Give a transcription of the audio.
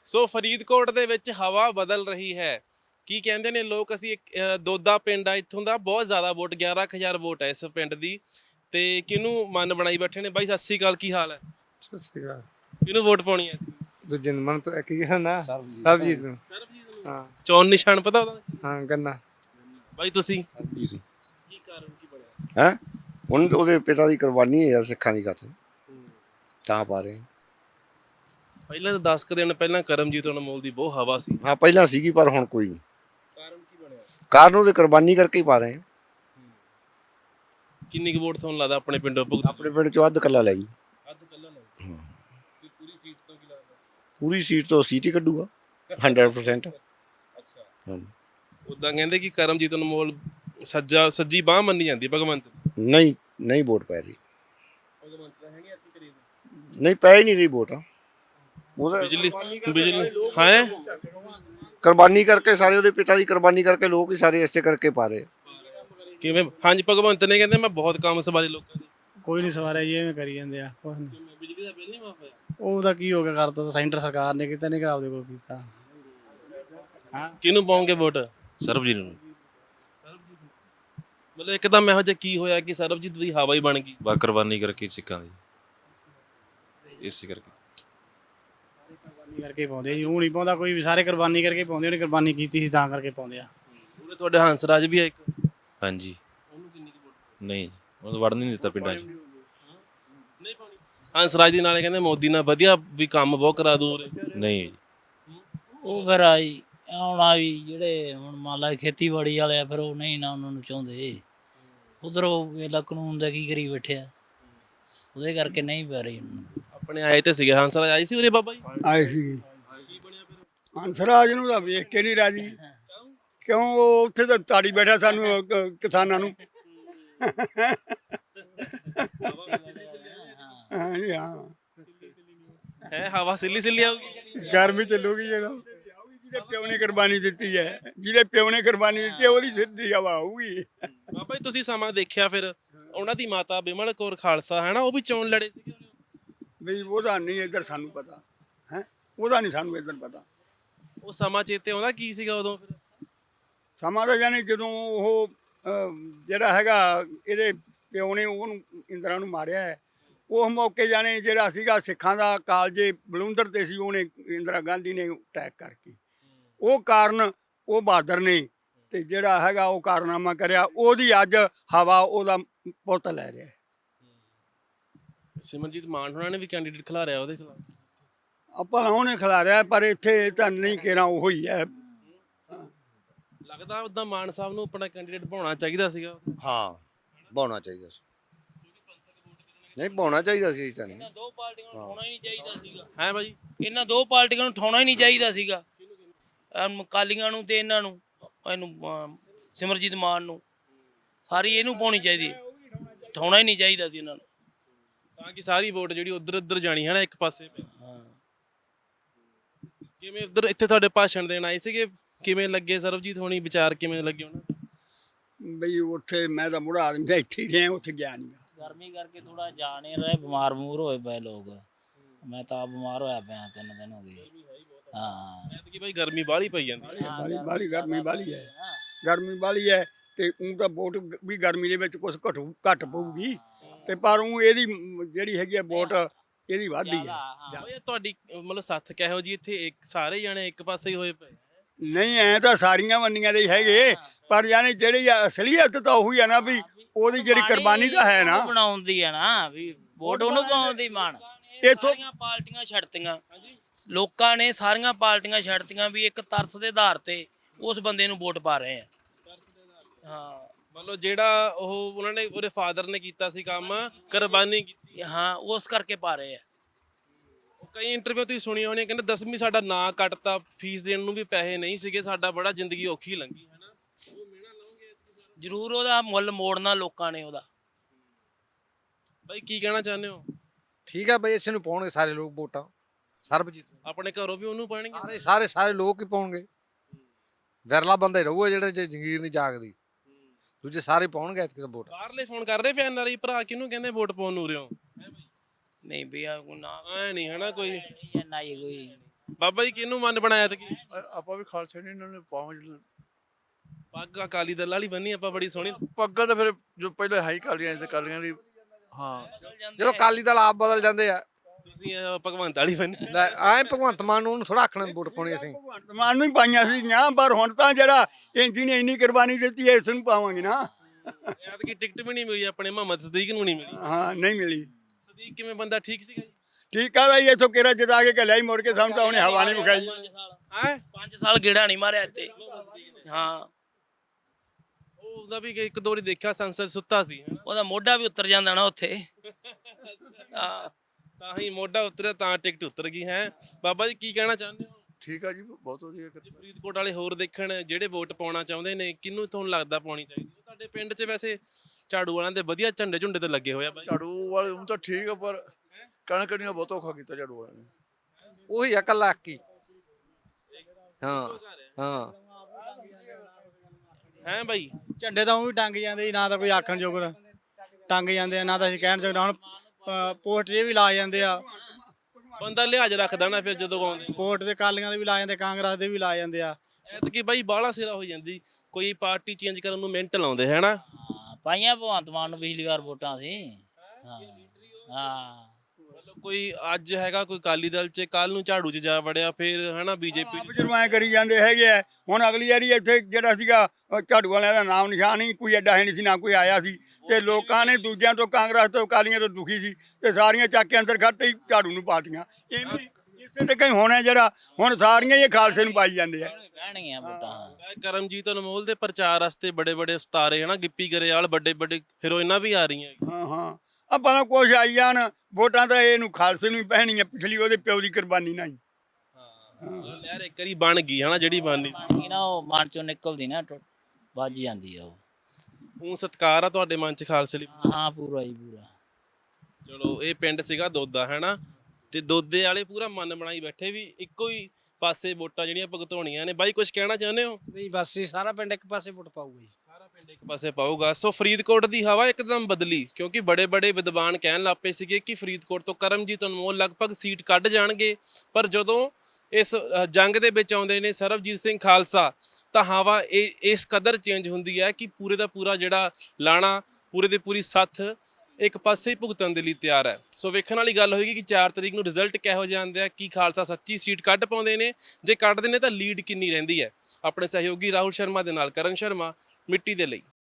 ਸੋ ਫਰੀਦਕੋਟ ਦੇ ਵਿੱਚ ਹਵਾ ਬਦਲ ਰਹੀ ਹੈ। ਕੀ ਕਹਿੰਦੇ ਨੇ ਲੋਕ, ਅਸੀਂ ਦੋਦਾ ਪਿੰਡ ਆ, ਇੱਥੋਂ ਦਾ ਬਹੁਤ ਜ਼ਿਆਦਾ ਵੋਟ 11,000 ਵੋਟ ਹੈ ਇਸ ਪਿੰਡ ਦੀ। ਤੇ ਕਿਹਨੂੰ ਮਨ ਬਣਾਈ ਬੈਠੇ ਨੇ ਬਾਈ। ਸਤਿ ਸ਼੍ਰੀ ਅਕਾਲ, ਕੀ ਹਾਲ ਹੈ? ਸਤਿ ਸ਼੍ਰੀ ਅਕਾਲ। ਕਿਹਨੂੰ ਵੋਟ ਪਾਉਣੀ ਹੈ? ਦੂਜੇ ਨੂੰ ਮਨ ਤਾਂ ਕੀ ਹੈ ਨਾ, ਸਰਬਜੀਤ ਨੂੰ। ਹਾਂ ਚੋਣ ਨਿਸ਼ਾਨ ਪਤਾ ਉਹਦਾ? ਹਾਂ ਗੰਨਾ। ਬਾਈ ਤੁਸੀਂ ਸਰਬਜੀਤ ਕੀ ਕਾਰਨ ਕੀ ਬਣਿਆ? ਹੈ ਹੁਣ ਉਹਦੇ ਪਿਤਾ ਦੀ ਕੁਰਬਾਨੀ ਹੈ ਸਿੱਖਾਂ ਦੀ ਖਾਤਰ, ਤਾਂ ਪਾ ਰਹੇ। ਪਹਿਲਾਂ ਤਾਂ 10 ਕੁ ਦਿਨ ਪਹਿਲਾਂ ਕਰਮਜੀਤ ਅਨਮੋਲ ਦੀ ਬਹੁਤ ਹਵਾ ਸੀ। ਹਾਂ ਪਹਿਲਾਂ ਸੀਗੀ ਪਰ ਹੁਣ ਕੋਈ ਨਹੀਂ। ਕਾਰਨ ਕੀ ਬਣਿਆ? ਕਾਰਨ ਉਹਦੇ ਕੁਰਬਾਨੀ ਕਰਕੇ ਹੀ ਪਾ ਰਹੇ। ਕਿੰਨੀ ਕੁ ਵੋਟ ਤੁਹਾਨੂੰ ਲੱਗਦਾ ਆਪਣੇ ਪਿੰਡੋਂ ਭੁਗਤ? ਆਪਣੇ ਪਿੰਡ ਚੋਂ ਅੱਧ ਕੱਲਾ ਲੈ ਜੀ। ਅੱਧ ਕੱਲਾ ਲੈ। ਤੇ ਪੂਰੀ ਸੀਟ ਤੋਂ ਕੀ ਲੱਗਦਾ? ਪੂਰੀ ਸੀਟ ਤੋਂ ਸੀਟ ਹੀ ਕੱਢੂਗਾ 100%। ਅੱਛਾ। ਹਾਂ ਉਦਾਂ ਕਹਿੰਦੇ ਕਿ ਕਰਮਜੀਤ ਅਨਮੋਲ ਸੱਜੀ ਬਾਹ ਮੰਨੀ ਜਾਂਦੀ ਭਗਵੰਤ ਦੀ। ਨਹੀਂ ਨਹੀਂ ਵੋਟ ਪੈ ਰਹੀ। ਭਗਵੰਤ ਦਾ ਹੈ ਨਹੀਂ ਇੱਥੇ ਕਰੀਬ। ਨਹੀਂ ਪੈ ਹੀ ਨਹੀਂ ਰਹੀ ਵੋਟ। ਉਹਦਾ ਬਿਜਲੀ ਹੈ ਕੁਰਬਾਨੀ ਕਰਕੇ ਸਾਰੇ, ਉਹਦੇ ਪਿਤਾ ਦੀ ਕੁਰਬਾਨੀ ਕਰਕੇ ਲੋਕ ਹੀ ਸਾਰੇ ਇਸੇ ਕਰਕੇ ਪਾ ਰਹੇ। ਕਿਵੇਂ? ਹਾਂਜੀ, ਭਗਵੰਤ ਨੇ ਕਹਿੰਦੇ ਮੈਂ ਬਹੁਤ ਕੰਮ ਸਵਾਰੇ ਲੋਕਾਂ ਦੇ। ਕੋਈ ਨਹੀਂ ਸਵਾਰਿਆ ਜੀ, ਐਵੇਂ ਕਰੀ ਜਾਂਦੇ ਆ ਕੁਛ ਨੀ। ਬਿਜਲੀ ਦਾ ਬਿੱਲ ਨਹੀਂ ਮਾਫ ਹੋਇਆ? ਉਹਦਾ ਕੀ ਹੋ ਗਿਆ, ਕਰਤਾ ਤਾਂ ਸੈਂਟਰ ਸਰਕਾਰ ਨੇ ਕੀਤਾ, ਨਹੀਂ ਆਪਦੇ ਕੋਲ ਕੀਤਾ। ਹਾਂ ਕਿਹਨੂੰ ਪਾਉਂਗੇ ਵੋਟ? ਸਰਬਜੀਤ ਨੂੰ। ਮਤਲਬ ਇੱਕਦਮ ਇਹੋ ਜਿਹਾ ਕੀ ਹੋਇਆ ਕਿ ਸਰਬਜੀਤ ਦੀ ਹਵਾ ਹੀ ਬਣ ਗਈ? ਬਾ ਕੁਰਬਾਨੀ ਕਰਕੇ ਸਿੱਖਾਂ ਦੀ, ਇਸੇ ਕਰਕੇ। ਕੁਰਬਾਨੀ ਕਰਕੇ ਪਾਉਂਦੇ ਜੀ, ਉਹ ਨਹੀਂ ਪਾਉਂਦਾ ਕੋਈ ਵੀ, ਸਾਰੇ ਕੁਰਬਾਨੀ ਕਰਕੇ ਪਾਉਂਦੇ। ਉਹਨੇ ਕੁਰਬਾਨੀ ਕੀਤੀ ਸੀ ਤਾਂ ਕਰਕੇ ਪਾਉਂਦੇ ਆ। ਉਹਦੇ ਤੁਹਾਡੇ ਹੰਸਰਾਜ ਵੀ ਹੈ ਇੱਕ, ਹਾਂਜੀ। ਉਹਨੂੰ ਕਿੰਨੀ ਕੁ ਵੋਟ? ਨਹੀਂ ਉਹਨੂੰ ਵੜਨ ਨਹੀਂ ਦਿੱਤਾ ਪਿੰਡਾਂ 'ਚ। ਨਹੀਂ ਪਾਉਣੀ। ਹੰਸਰਾਜ ਦੀ ਨਾਲੇ ਕਹਿੰਦੇ ਮੋਦੀ ਨਾਲ ਵਧੀਆ ਵੀ ਕੰਮ ਬਹੁਤ ਕਰਾ ਦੂ ਉਰੇ। ਨਹੀਂ ਜੀ। ਉਹ ਫਿਰ ਆਈ ਆਉਣਾ ਵੀ ਜਿਹੜੇ ਹੁਣ ਮੰਨ ਲਾ ਖੇਤੀਬਾੜੀ ਵਾਲੇ ਆ, ਫਿਰ ਉਹ ਨਹੀਂ ਨਾ ਉਹਨਾਂ ਨੂੰ ਚਾਹੁੰਦੇ। ਉਧਰ ਵੇਲਾ ਕਾਨੂੰਨ ਦਾ ਕੀ ਕਰੀ ਬੈਠਿਆ, ਉਹਦੇ ਕਰਕੇ ਨਹੀਂ ਪੈ ਰਹੀ। ਆਪਣੇ ਆਏ ਤੇ ਸੀਗੇ, ਹੰਸਰਾਜ ਆਈ ਸੀ ਉਰੇ ਬਾਬਾ ਜੀ? ਆਏ ਸੀਗੇ। ਕੀ ਬਣਿਆ ਫਿਰ? ਹੰਸਰਾਜ ਨੂੰ ਤਾਂ ਵੇਖ ਕੇ ਨਹੀਂ ਰਾਜੀ, ਕਿਉਂ ਉਹ ਉੱਥੇ ਤਾਂ ਤਾੜੀ ਬੈਠਾ ਸਾਨੂੰ ਕਿਸਾਨਾਂ ਨੂੰ। ਹਾਂਜੀ ਹਾਂ, ਹੈ ਹਵਾ ਸਿੱਲੀ ਸਿੱਲੀ ਆਊਗੀ। ਗਰਮੀ ਚੱਲੂਗੀ ਜਿਹੜਾ ਜਿਹਦੇ ਪਿਓ ਨੇ ਕੁਰਬਾਨੀ ਦਿੱਤੀ ਹੈ, ਜਿਹਦੇ ਪਿਓ ਨੇ ਕੁਰਬਾਨੀ ਦਿੱਤੀ ਹੈ ਉਹਦੀ ਸਿੱਧੀ ਹਵਾ ਆਊਗੀ। ਬਾਬਾ ਜੀ ਤੁਸੀਂ ਸਮਾਂ ਦੇਖਿਆ ਫਿਰ, ਉਹਨਾਂ ਦੀ ਮਾਤਾ ਬਿਮਲ ਕੌਰ ਖਾਲਸਾ ਹੈ ਨਾ, ਉਹ ਵੀ ਚੋਣ ਲੜੇ ਸੀਗੇ। ਬਈ ਉਹਦਾ ਨਹੀਂ ਇੱਧਰ ਸਾਨੂੰ ਪਤਾ ਹੈ, ਉਹਦਾ ਨਹੀਂ ਸਾਨੂੰ ਇੱਧਰ ਪਤਾ। ਉਹ ਸਮਾਂ ਚੇਤੇ ਆਉਂਦਾ ਕੀ ਸੀਗਾ ਉਦੋਂ ਫਿਰ? ਸਮਾਂ ਤਾਂ ਜਾਨੀ ਜਦੋਂ ਉਹ ਜਿਹੜਾ ਹੈਗਾ ਇਹਦੇ ਪਿਓ ਨੇ ਉਹਨੂੰ ਇੰਦਰਾ ਨੂੰ ਮਾਰਿਆ ਹੈ, ਉਸ ਮੌਕੇ ਜਾਨੇ ਜਿਹੜਾ ਸੀਗਾ ਸਿੱਖਾਂ ਦਾ ਕਾਲਜੇ ਬਲੂੰਦਰ ਤੇ ਸੀ, ਉਹਨੇ ਇੰਦਰਾ ਗਾਂਧੀ ਨੇ ਅਟੈਕ ਕਰਕੇ, ਉਹ ਕਾਰਨ ਉਹ ਬਹਾਦਰ ਨੇ ਤੇ ਜਿਹੜਾ ਹੈਗਾ ਉਹ ਕਾਰਨਾਮਾ ਕਰਿਆ, ਉਹਦੀ ਅੱਜ ਹਵਾ ਉਹਦਾ ਪੁੱਤ ਲੈ ਰਿਹਾ। ਸਿਮਰਜੀਤ ਮਾਨ ਹੋਣਾ ਨੇ ਵੀ ਕੈਂਡੀਡੇਟ ਖਿਲਾਰਿਆ ਉਹਦੇ ਖਿਲਾਫ। ਆਪਾਂ ਉਹਨੇ ਖਿਲਾਰਿਆ ਪਰ ਇੱਥੇ ਤਾਂ ਨਹੀਂ ਕਿਹੜਾ ਉਹ ਹੀ ਹੈ। ਲੱਗਦਾ ਉਦਾਂ ਮਾਨ ਸਾਹਿਬ ਨੂੰ ਆਪਣਾ ਕੈਂਡੀਡੇਟ ਬਣਾਉਣਾ ਚਾਹੀਦਾ ਸੀਗਾ। ਹਾਂ ਪਾਉਣਾ ਚਾਹੀਦਾ ਸੀ। ਨਹੀਂ ਪਾਉਣਾ ਚਾਹੀਦਾ ਸੀ ਤਾਂ ਨਹੀਂ। ਇਹਨਾਂ ਦੋ ਪਾਰਟੀਆਂ ਨੂੰ ਉਠਾਉਣਾ ਹੀ ਨਹੀਂ ਚਾਹੀਦਾ ਸੀਗਾ। ਹੈ ਬਾਈ? ਇਹਨਾਂ ਦੋ ਪਾਰਟੀਆਂ ਨੂੰ ਉਠਾਉਣਾ ਹੀ ਨਹੀਂ ਚਾਹੀਦਾ ਸੀਗਾ, ਅਕਾਲੀਆਂ ਨੂੰ ਤੇ ਇਹਨਾਂ ਨੂੰ, ਇਹਨੂੰ ਸਿਮਰਜੀਤ ਮਾਨ ਨੂੰ। ਸਾਰੀ ਇਹਨੂੰ ਪਾਉਣੀ ਚਾਹੀਦੀ, ਉਠਾਉਣਾ ਹੀ ਨਹੀਂ ਚਾਹੀਦਾ ਸੀ ਇਹਨਾਂ ਨੂੰ, ਤਾਂ ਕਿ ਸਾਰੀ ਵੋਟ ਜਿਹੜੀ ਉਧਰ ਉਧਰ ਜਾਣੀ ਹੈ ਨਾ, ਇੱਕ ਪਾਸੇ। ਹਾਂ। ਕਿਵੇਂ ਉਧਰ ਇੱਥੇ ਤੁਹਾਡੇ ਭਾਸ਼ਣ ਦੇਣ ਆਏ ਸੀਗੇ, ਕਿਵੇਂ ਲੱਗੇ ਸਰਬਜੀਤ ਹੋਣੀ, ਵਿਚਾਰ ਕਿਵੇਂ ਲੱਗੇ ਉਹਨਾਂ ਦੇ? ਬਈ ਉੱਥੇ ਮੈਂ ਤਾਂ ਬੁੜਾ ਆਦਮੀ ਇੱਥੇ ਹੀ ਰਿਹਾ, ਉੱਥੇ ਗਿਆ ਨਹੀਂ। ਗਰਮੀ ਕਰਕੇ ਥੋੜਾ ਜਾ ਨਹੀਂ ਰਹੇ, ਬਿਮਾਰ ਬਮੂਰ ਹੋਏ ਪਏ ਲੋਕ। ਮੈਂ ਤਾਂ ਬਿਮਾਰ ਹੋਇਆ ਪਿਆ, 3 ਦਿਨ ਹੋ ਗਏ। ਹਾਂ ਐਤਕੀ ਬਾਈ ਗਰਮੀ ਬਾਹਲੀ ਪਈ ਜਾਂਦੀ। ਬਾਹਲੀ ਗਰਮੀ ਬਾਹਲੀ ਹੈ, ਗਰਮੀ ਬਾਹਲੀ ਹੈ ਤੇ ਉਹ ਤਾਂ ਵੋਟ ਵੀ ਗਰਮੀ ਦੇ ਵਿੱਚ ਕੁਛ ਘੱਟ ਪਊਗੀ ਤੇ ਪਰ ਉਹ ਇਹਦੀ ਜਿਹੜੀ ਹੈਗੀ ਆ ਵੋਟ ਇਹਦੀ ਵੱਧਦੀ ਹੈ। ਓਏ ਤੁਹਾਡੀ ਮਤਲਬ ਸੱਥ ਕਿਹੋ ਜੀ ਇੱਥੇ, ਇੱਕ ਸਾਰੇ ਜਾਣੇ ਇੱਕ ਪਾਸੇ ਹੀ ਹੋਏ ਪਏ? ਨਹੀਂ ਐ ਤਾਂ ਸਾਰੀਆਂ ਮੰਡੀਆਂ ਦੇ ਹੀ ਹੈਗੇ, ਪਰ ਯਾਨੀ ਜਿਹੜੀ ਅਸਲੀਅਤ ਤਾਂ ਉਹੀ ਆ ਨਾ ਵੀ ਉਹਦੀ ਜਿਹੜੀ ਕੁਰਬਾਨੀ ਤਾਂ ਹੈ ਨਾ, ਬਣਾਉਣ ਦੀ ਹੈ ਨਾ, ਵੀ ਵੋਟ ਉਹਨੂੰ ਪਾਉਣ ਦੀ। ਮਾਣ ਇੱਥੋਂ ਸਾਰੀਆਂ ਪਾਰਟੀਆਂ ਛੱਡਤੀਆਂ ਲੋਕਾਂ ਨੇ, ਸਾਰੀਆਂ ਪਾਰਟੀਆਂ ਛੱਡਤੀਆਂ ਵੀ ਇੱਕ ਤਰਸ ਦੇ ਆਧਾਰ ਤੇ ਉਸ ਬੰਦੇ ਨੂੰ ਵੋਟ ਪਾ ਰਹੇ ਆ। ਹਾਂ ਮਤਲਬ ਜਿਹੜਾ ਉਹ ਉਹਨਾਂ ਨੇ ਉਹਦੇ ਫਾਦਰ ਨੇ ਕੀਤਾ ਸੀ ਕੰਮ, ਕੁਰਬਾਨੀ ਕੀਤੀ। ਹਾਂ ਉਸ ਕਰਕੇ ਪਾ ਰਹੇ ਆ। ਕਈ ਇੰਟਰਵਿਊ ਤੁਸੀਂ ਸੁਣੀਆਂ ਹੋਣੀਆਂ, ਕਹਿੰਦੇ 10ਵੀਂ ਸਾਡਾ ਨਾਂ ਕੱਟਤਾ, ਫੀਸ ਦੇਣ ਨੂੰ ਵੀ ਪੈਸੇ ਨਹੀਂ ਸੀਗੇ, ਸਾਡਾ ਬੜਾ ਜ਼ਿੰਦਗੀ ਔਖੀ ਲੰਘੀ ਹੈ ਨਾ। ਉਹ ਮਿਹਣਾ ਲਾਉਂਗੇ ਜ਼ਰੂਰ, ਉਹਦਾ ਮੁੱਲ ਮੋੜਨਾ ਲੋਕਾਂ ਨੇ ਉਹਦਾ। ਬਾਈ ਕੀ ਕਹਿਣਾ ਚਾਹੁੰਦੇ ਹੋ? ਠੀਕ ਹੈ ਬਈ, ਇਸੇ ਨੂੰ ਪਾਉਣਗੇ ਸਾਰੇ ਲੋਕ ਵੋਟਾਂ, ਸਰਬਜੀਤ ਆਪਣੇ ਘਰੋਂ ਵੀ ਉਹਨੂੰ ਪਾਣਗੇ? ਸਾਰੇ ਸਾਰੇ ਸਾਰੇ ਲੋਕ ਹੀ ਪਾਉਣਗੇ। ਵਿਰਲਾ ਬੰਦਾ ਹੀ ਰਹੂਗਾ ਜਿਹੜਾ ਜੇ ਜੰਗੀਰ ਨਹੀਂ ਜਾਗਦੀ, ਦੂਜੇ ਸਾਰੇ ਪਾਉਣਗੇ ਇਤਕੀ ਤਾਂ ਵੋਟ। ਬਾਹਰਲੇ ਫੋਨ ਕਰ ਰਹੇ ਫੈਨ ਨਾਲ, ਭਰਾ ਕਿਹਨੂੰ ਕਹਿੰਦੇ ਵੋਟ ਪਾਉਣ ਨੂੰ ਰਿਓ? ਨਹੀਂ ਵੀ ਆ ਕੋਈ ਨਾ ਐ ਨਹੀਂ ਹਨਾ ਕੋਈ ਨਾ ਹੀ ਕੋਈ ਬਾਬਾ ਜੀ ਕਿਹਨੂੰ ਮਨ ਬਣਾਇਆ ਤੇ ਆਪਾਂ ਵੀ ਖਾਲਸੇ ਨੇ ਇਹਨਾਂ ਨੇ ਪਾਉਂ ਪੱਗ ਅਕਾਲੀ ਦਲ ਵਾਲੀ ਬੰਨੀ ਆਪਾਂ ਬੜੀ ਸੋਹਣੀ। ਪੱਗਾਂ ਤਾਂ ਫਿਰ ਜੋ ਪਹਿਲੇ ਹਾਈ ਕਾਲੀਆਂ ਸੀ ਕਾਲੀਆਂ ਦੀ ਹਾਂ ਜਦੋਂ ਅਕਾਲੀ ਦਲ ਆਪ ਬਦਲ ਜਾਂਦੇ ਆ ਤੁਸੀਂ ਭਗਵੰਤ ਵਾਲੀ ਬੰਨੀ। ਐ ਭਗਵੰਤ ਮਾਨ ਨੂੰ ਥੋੜਾ ਆਖਣਾ ਵੋਟ ਪਾਉਣੀ ਅਸੀਂ ਭਗਵੰਤ ਮਾਨ ਨੂੰ ਹੀ ਪਾਈਆਂ ਸੀਗੀਆਂ, ਪਰ ਹੁਣ ਤਾਂ ਜਿਹੜਾ ਜਿਹਨੇ ਇੰਨੀ ਕੁਰਬਾਨੀ ਦਿੱਤੀ ਹੈ ਇਸ ਨੂੰ ਪਾਵਾਂਗੇ ਨਾ। ਐਤਕੀ ਟਿਕਟ ਵੀ ਨਹੀਂ ਮਿਲੀ ਆਪਣੇ ਮੁਹੰਮਦ ਸਦੀਕ ਨੂੰ ਨਹੀਂ ਮਿਲੀ। ਹਾਂ ਨਹੀਂ ਮਿਲੀ। ਸਦੀਕ ਕਿਵੇਂ ਬੰਦਾ ਠੀਕ ਸੀਗਾ ਜੀ? ਠੀਕ ਆ ਜੀ, ਇੱਥੋਂ ਕਿਹੜਾ ਜਿਤਾ ਕੇ ਘੱਲਿਆ ਹੀ ਮੁੜ ਕੇ ਸਾਨੂੰ ਤਾਂ ਉਹਨੇ ਹਵਾ ਨਹੀਂ ਵਿਖਾਈ। ਹੈ 5 ਸਾਲ ਗੇੜਾ ਨਹੀਂ ਮਾਰਿਆ ਇੱਥੇ। ਹਾਂ ਉਹਦਾ ਵੀ ਇੱਕ ਦੋ ਵਾਰੀ ਦੇਖਿਆ ਸੰਸਦ ਸੁੱਤਾ ਸੀ ਹਨਾ? ਉਹਦਾ ਮੋਢਾ ਵੀ ਉਤਰ ਜਾਂਦਾ ਨਾ ਉੱਥੇ। ਹਾਂ ਤਾਂ ਹੀ ਮੋਢਾ ਉਤਰਿਆ ਤਾਂ ਟਿਕਟ ਉਤਰ ਗਈ ਹੈ। ਬਾਬਾ ਜੀ ਕੀ ਕਹਿਣਾ ਚਾਹੁੰਦੇ ਹੋ? ਠੀਕ ਆ ਜੀ ਬਹੁਤ ਵਧੀਆ ਜੇ ਫਰੀਦਕੋਟ ਵਾਲੇ ਹੋਰ ਦੇਖਣ ਜਿਹੜੇ ਵੋਟ ਪਾਉਣਾ ਚਾਹੁੰਦੇ ਨੇ, ਕਿਹਨੂੰ ਤੁਹਾਨੂੰ ਲੱਗਦਾ ਪਾਉਣੀ ਚਾਹੀਦੀ? ਉਹ ਤੁਹਾਡੇ ਪਿੰਡ 'ਚ ਵੈਸੇ ਝਾੜੂ ਵਾਲਿਆਂ ਦੇ ਵਧੀਆ ਝੰਡੇ ਝੁੰਡੇ ਤੇ ਲੱਗੇ ਹੋਏ ਆ ਬਾਈ। ਝਾੜੂ ਵਾਲੇ ਨੂੰ ਤਾਂ ਠੀਕ ਆ, ਪਰ ਕਣਕ ਨੇ ਬਹੁਤ ਔਖਾ ਕੀਤਾ ਝਾੜੂ ਵਾਲਿਆਂ ਨੇ। ਉਹੀ ਆ ਕੱਲਾ ਕੀ। ਹਾਂ ਹਾਂ ਹੈ ਬਾਈ ਝੰਡੇ ਤਾਂ ਉਹ ਵੀ ਟੰਗ ਜਾਂਦੇ ਜੀ, ਨਾ ਤਾਂ ਕੋਈ ਆਖਣ ਜੋਗਰ ਟੰਗ ਜਾਂਦੇ ਆ, ਨਾ ਤਾਂ ਅਸੀਂ ਕਹਿਣ ਜੋਗਰ। ਹੁਣ ਪੋਸਟ ਇਹ ਵੀ ਲਾ ਜਾਂਦੇ ਆ, ਬੰਦਾ ਲਿਹਾਜ਼ ਰੱਖਦਾ ਨਾ ਫਿਰ ਜਦੋਂ ਆਉਂਦੇ ਨੇ। ਪੋਸਟ ਦੇ ਕਾਲੀਆਂ ਦੇ ਵੀ ਲਾ ਜਾਂਦੇ, ਕਾਂਗਰਸ ਦੇ ਵੀ ਲਾ ਜਾਂਦੇ ਆ। ਐਤਕੀ ਬਾਈ ਬਾਹਲਾ ਸਿਰਾ ਹੋ ਜਾਂਦੀ, ਕੋਈ ਪਾਰਟੀ ਚੇਂਜ ਕਰਨ ਨੂੰ ਮਿੰਟ ਲਾਉਂਦੇ ਹੈ ਨਾ। ਹਾਂ, ਪਾਈਆਂ ਭਗਵੰਤ ਮਾਨ ਨੂੰ ਪਿਛਲੀ ਵਾਰ ਵੋਟਾਂ ਸੀ। ਹਾਂ ਹਾਂ ਮਤਲਬ ਕੋਈ ਅੱਜ ਹੈਗਾ ਕੋਈ ਅਕਾਲੀ ਦਲ 'ਚ, ਕੱਲ ਨੂੰ ਝਾੜੂ 'ਚ ਜਾ ਵੜਿਆ, ਫਿਰ ਹਨਾ ਬੀਜੇਪੀ ਆਪ ਜਦੋਂ ਐਂ ਕਰੀ ਜਾਂਦੇ ਹੈਗੇ ਆ। ਹੁਣ ਅਗਲੀ ਵਾਰੀ ਇੱਥੇ ਜਿਹੜਾ ਸੀਗਾ ਝਾੜੂ ਵਾਲਿਆਂ ਦਾ ਨਾਮ ਨਿਸ਼ਾਨ ਹੀ ਕੋਈ ਐਡਾ ਹੈ ਨਹੀਂ ਸੀ, ਨਾ ਕੋਈ ਆਇਆ ਸੀ। ਤੇ ਲੋਕਾਂ ਨੇ ਦੂਜਿਆਂ ਤੋਂ, ਕਾਂਗਰਸ ਤੋਂ, ਅਕਾਲੀਆਂ ਤੋਂ ਦੁਖੀ ਸੀ ਤੇ ਸਾਰੀਆਂ ਚੱਕ ਕੇ ਅੰਦਰ ਖੜ੍ਹਤੇ ਹੀ ਝਾੜੂ ਨੂੰ ਪਾਤੀਆਂ। ਇਵੇਂ ਇਸੇ ਤੇ ਕਈ ਹੋਣਾ ਜਿਹੜਾ ਹੁਣ ਸਾਰੀਆਂ ਹੀ ਖਾਲਸੇ ਨੂੰ ਪਾਈ ਜਾਂਦੇ ਆ। ਕਹਿਣਗੀਆਂ ਵੋਟਾਂ। ਕਰਮਜੀਤ ਅਨਮੋਲ ਦੇ ਪ੍ਰਚਾਰ ਵਾਸਤੇ ਬੜੇ ਬੜੇ ਉਸਤਾਰੇ ਹਨਾ, ਗਿੱਪੀ ਗਰੇਵਾਲ, ਵੱਡੇ ਵੱਡੇ ਹੀਰੋਇਨਾਂ ਵੀ ਆ ਰਹੀਆਂ। ਹਾਂ ਹਾਂ ਆਪਾਂ ਨੂੰ ਕੁਛ ਆਈ ਜਾਣ, ਵੋਟਾਂ ਤਾਂ ਇਹਨੂੰ ਖਾਲਸੇ ਨੂੰ ਹੀ ਪੈਣੀਆਂ, ਪਿਛਲੀ ਉਹਦੇ ਪਿਓ ਦੀ ਕੁਰਬਾਨੀ ਨਾਲ ਹੀ। ਲਹਿਰ ਇੱਕ ਵਾਰੀ ਬਣ ਗਈ ਹਨਾ, ਜਿਹੜੀ ਬਣਨੀ ਸੀ। ਨਾ ਉਹ ਮਨ ਚੋਂ ਨਿਕਲਦੀ ਨਾ, ਵੱਜ ਜਾਂਦੀ ਆ ਉਹ। ਉਹ ਸਤਿਕਾਰ ਆ ਤੁਹਾਡੇ ਮਨ 'ਚ ਖਾਲਸੇ ਲਈ? ਹਾਂ ਪੂਰਾ ਹੀ ਪੂਰਾ। ਚਲੋ ਇਹ ਪਿੰਡ ਸੀਗਾ ਦੋਦਾ ਹੈਨਾ, ਤੇ ਦੋਦੇ ਵਾਲੇ ਪੂਰਾ ਮਨ ਬਣਾਈ ਬੈਠੇ ਵੀ ਇੱਕੋ ਹੀ ਪਾਸੇ ਵੋਟਾਂ ਜਿਹੜੀਆਂ ਭੁਗਤਾਉਣੀਆਂ ਨੇ। ਬਾਈ ਕੁਝ ਕਹਿਣਾ ਚਾਹੁੰਦੇ ਹੋ? ਵੀ ਬਸ ਹੀ ਸਾਰਾ ਪਿੰਡ ਇੱਕ ਪਾਸੇ ਵੋਟ ਪਾਊਗਾ ਜੀ। ਸਾਰਾ ਪਿੰਡ ਇੱਕ ਪਾਸੇ ਪਾਊਗਾ। ਸੋ ਫਰੀਦਕੋਟ ਦੀ ਹਵਾ ਇੱਕਦਮ ਬਦਲੀ, ਕਿਉਂਕਿ ਬੜੇ ਬੜੇ ਵਿਦਵਾਨ ਕਹਿਣ ਲੱਗ ਪਏ ਸੀਗੇ ਕਿ ਫਰੀਦਕੋਟ ਤੋਂ ਕਰਮਜੀਤ ਅਨਮੋਲ ਲਗਭਗ ਸੀਟ ਕੱਢ ਜਾਣਗੇ, ਪਰ ਜਦੋਂ ਇਸ ਜੰਗ ਦੇ ਵਿੱਚ ਆਉਂਦੇ ਨੇ ਸਰਬਜੀਤ ਸਿੰਘ ਖਾਲਸਾ, ਤਾਂ ਹਵਾ ਇਸ ਕਦਰ ਚੇਂਜ ਹੁੰਦੀ ਹੈ ਕਿ ਪੂਰੇ ਦਾ ਪੂਰਾ ਜਿਹੜਾ ਲਾਣਾ, ਪੂਰੇ ਦੀ ਪੂਰੀ ਸੱਥ ਇੱਕ ਪਾਸੇ ਹੀ ਭੁਗਤਣ ਦੇ ਲਈ ਤਿਆਰ ਹੈ। ਸੋ ਵੇਖਣ ਵਾਲੀ ਗੱਲ ਹੋਏਗੀ ਕਿ 4 ਤਰੀਕ ਨੂੰ ਰਿਜ਼ਲਟ ਕਿਹੋ ਜਿਹਾ ਆਉਂਦਾ ਹੈ, ਕੀ ਖਾਲਸਾ ਸੱਚੀ ਸੀਟ ਕੱਢ ਪਾਉਂਦੇ ਨੇ, ਜੇ ਕੱਢਦੇ ਨੇ ਤਾਂ ਲੀਡ ਕਿੰਨੀ ਰਹਿੰਦੀ ਹੈ। ਆਪਣੇ ਸਹਿਯੋਗੀ ਰਾਹੁਲ ਸ਼ਰਮਾ ਦੇ ਨਾਲ ਕਰਨ ਸ਼ਰਮਾ, ਮਿੱਟੀ ਦੇ ਲਈ।